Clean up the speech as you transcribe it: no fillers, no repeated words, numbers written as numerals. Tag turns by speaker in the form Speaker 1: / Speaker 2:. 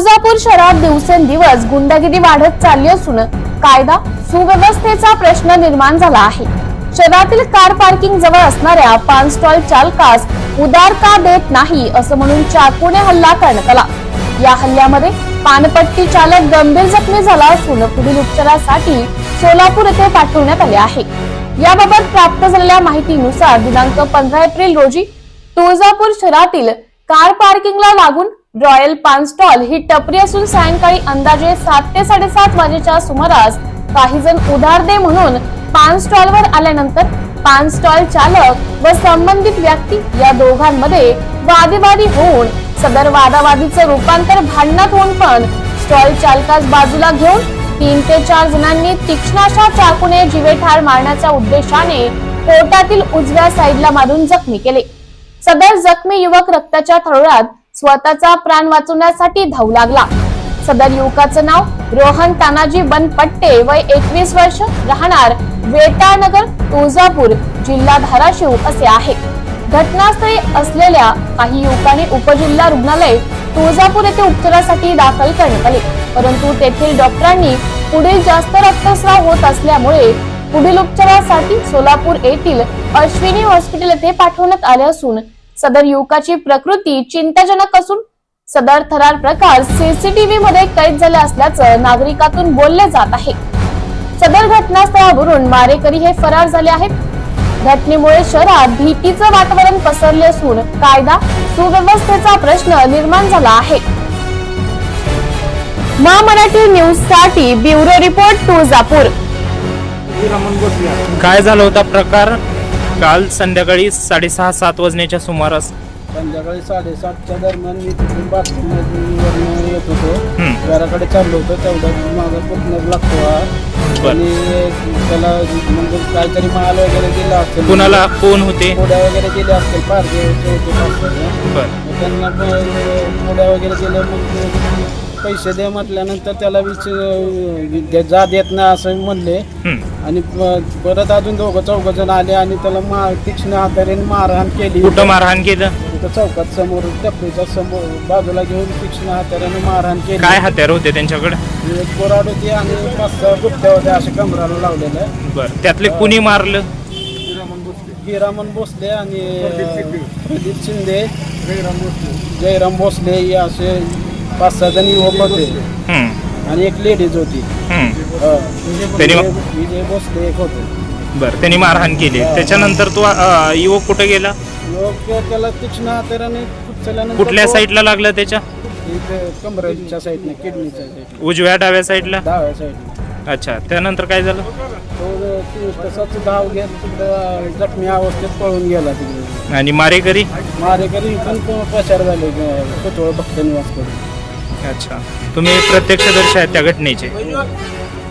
Speaker 1: तुळजापूर शहरात दिवसेंदिवस गुंडगिरी वाढत चालली असून कायदा सुव्यवस्थेचा प्रश्न निर्माण झाला आहे। शहरातील कार पार्किंग जवळ असणाऱ्या पान स्टॉल चालकास उधार का देत नाही असं म्हणून चाकूने हल्ला करण्यात आला। या हल्ल्यामध्ये पानपट्टी चालक गंभीर जखमी झाला असून पुढील उपचारासाठी सोलापूर येथे पाठवण्यात आले आहे। याबाबत प्राप्त झालेल्या माहितीनुसार दिनांक 15 एप्रिल रोजी तुळजापूर शहरातील कार पार्किंगला लागून रॉयल पान स्टॉल ही टपरी असून सायंकाळी अंदाजे 7 ते 7:30 वाजेच्या सुमारास काही जण उधार दे म्हणून पान स्टॉलवर आल्यानंतर पान स्टॉल चालक व संबंधित व्यक्ती या दोघांमध्ये वादविवाद होऊन सदर वादावादीचे रूपांतर भांडणात होऊन पण स्टॉल चालकास बाजूला घेऊन 3 ते 4 जणांनी तीक्ष्ण अशा चाकूने जीवेठार मारण्याच्या उद्देशाने पोटातील उजव्या साईडला मारून जखमी केले। सदर जखमी युवक रक्ताच्या थरोळ्यात स्वतःचा प्राण वाचवण्यासाठी धावू लागला। सदर युवकाचं नाव रोहन तानाजी बनपट्टे, वय 21 वर्ष, राहणार वेटाळनगर, तुळजापूर, जिल्हा धाराशिव असे आहे। घटनास्थळी असलेल्या काही युवकांनी उपजिल्हा रुग्णालय तुळजापूर येथे उपचारासाठी दाखल करण्यात आले, परंतु तेथील डॉक्टरांनी पुढील जास्त रक्तस्राव होत असल्यामुळे पुढील उपचारासाठी सोलापूर येथील अश्विनी हॉस्पिटल येथे पाठवण्यात आले असून सदर युवकाची प्रकृती चिंताजनक असून सदर थरार प्रकार सीसीटीव्ही मध्ये कैद झाले असल्याचं नागरिकातून बोलले जात आहे। सदर घटनास्थळावरून मारेकरी हे फरार झाले आहेत। घटनेमुळे शहरात भीतीचं वातावरण पसरले असून कायदा सुव्यवस्थेचा प्रश्न निर्माण झाला आहे। मराठी न्यूज साठी ब्युरो रिपोर्ट तुळजापूर।
Speaker 2: काय झाला होता प्रकार काल संध्याकाळी 6:30-7 वाजण्याच्या सुमारास?
Speaker 3: संध्याकाळी 7:30च्या दरम्यान मी तिथून बाथरूमवरून येत होतो, घराकडे चाललो होतो, तेवढ्यात माझा पुतण्या लागतो आणि त्याला म्हणजे काहीतरी माल वगैरे दिला असेल,
Speaker 2: कुणाला कोण होते,
Speaker 3: पोड्या वगैरे दिल्या असतील, पारदे होते, त्यांना पोड्या वगैरे दिल्या। मग पैसे दे म्हटल्यानंतर त्याला जा देत नाही असं म्हणले आणि परत अजून 2-4 जण आले आणि त्याला तीक्ष्ण हाताने मारहाण केली।
Speaker 2: कुठं मारहाण केलं?
Speaker 3: चौकात समोर, टपरीच्या समोर बाजूला घेऊन तीक्ष्ण हाताने मारहाण केली।
Speaker 2: काय हत्यार होते त्यांच्याकडे?
Speaker 3: एक कोराड होती आणि 5-6 गुप्त्या होत्या अशा कमराला लावलेल्या।
Speaker 2: बरं, त्यातले कुणी मारलं?
Speaker 3: हिरामन भोसले आणि प्रदीप शिंदे, जयराम भोसले हे असे 5-6 जण युवक होते आणि एक लेडीज होती, विजय भोसले एक होते।
Speaker 2: बरं, त्यांनी मारहाण केली। त्याच्यानंतर तो युवक कुठे गेला?
Speaker 3: युवक त्याला तीक्ष्ण हाताने
Speaker 2: कुठल्या साईडला लागला? त्याच्या
Speaker 3: कमरेच्या साईडने, किडनीच्या साईडने,
Speaker 2: उजव्या डाव्या साईडला?
Speaker 3: डाव्या साईडने।
Speaker 2: अच्छा, त्यानंतर काय झालं?
Speaker 3: तो तसाच धाव घेत जखमी अवस्थेत पळून गेला तिकडे।
Speaker 2: आणि मारेकरी
Speaker 3: पण प्रचार झाले पुतळ भक्त निवास करून।
Speaker 2: अच्छा, तुम्ही प्रत्यक्षदर्शी आहेत त्या घटनेचे?